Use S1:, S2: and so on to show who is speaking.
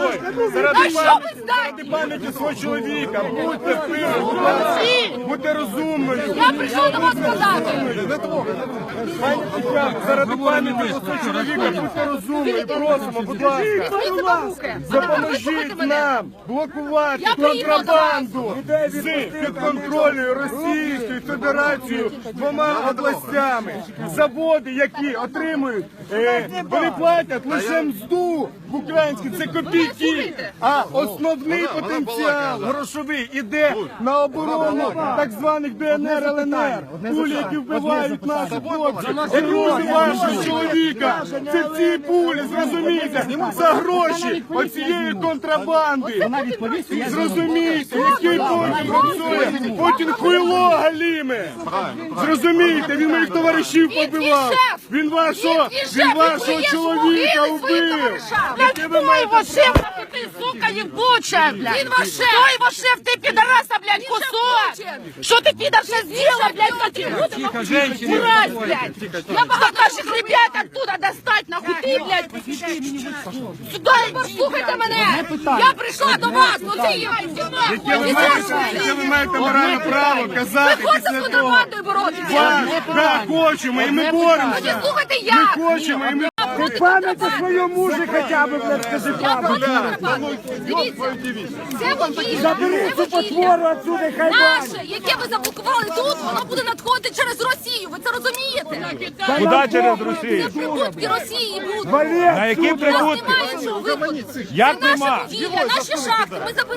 S1: заради пам'яті свого чоловіка, будьте впевнені, будьте розумною.
S2: Я прийшов до вас сказати.
S1: Пані Тетяно, заради пам'яті свого чоловіка, будьте розумною, просимо, будь ласка, допоможіть нам блокувати контрабанду з підконтрольною Російською Федерацією двома областями. Заводи, які отримують, вони платять лише мзду в українській, це копійки, а основний потенціал грошовий іде на оборону так званих ДНР, ЛНР, пулі, які вбивають наших хлопців. Друзі вашого чоловіка, це ці пулі, зрозумійте, за гроші оцієї контрабанди. Зрозумійте, який Путін працює, Путін хуйло галіме. Зрозумійте, він моїх товаришів побивав, він вашого чоловіка вбив.
S2: Кто его шеф, ты, сука, ебучая, блядь? Кто его шеф, ты, пидораса, блядь, кусок? Что ты, пидор, сейчас сделала, блядь, мразь, блядь? Я могла наших ребят оттуда достать, нахуй, ты, блядь. Сюда, слухайте мене. Я прийшла до вас, ну ти,
S1: Яке ви маєте моральне право казати після того? Так, хочемо, і ми боремося.
S2: Тоді слухайте
S1: Ми
S2: як.
S1: хочемо, і ми...
S3: Ти пам'яті свою мужу хоча б, блядь, скажи правду.
S2: Дивіться, це водій.
S3: Забери цю потвору отсюди, хай
S2: Наше, яке ви заблокували тут, воно буде надходити через Росію. Ви це розумієте?
S1: Куди через Росію?
S2: Це прибутки Росії будуть.
S3: Валер,
S1: На які
S2: У нас
S1: прибутки?
S2: немає іншого виходу.
S1: Як
S2: Це наше
S1: нема?
S2: будівля, наші шахти. Ми заберемо.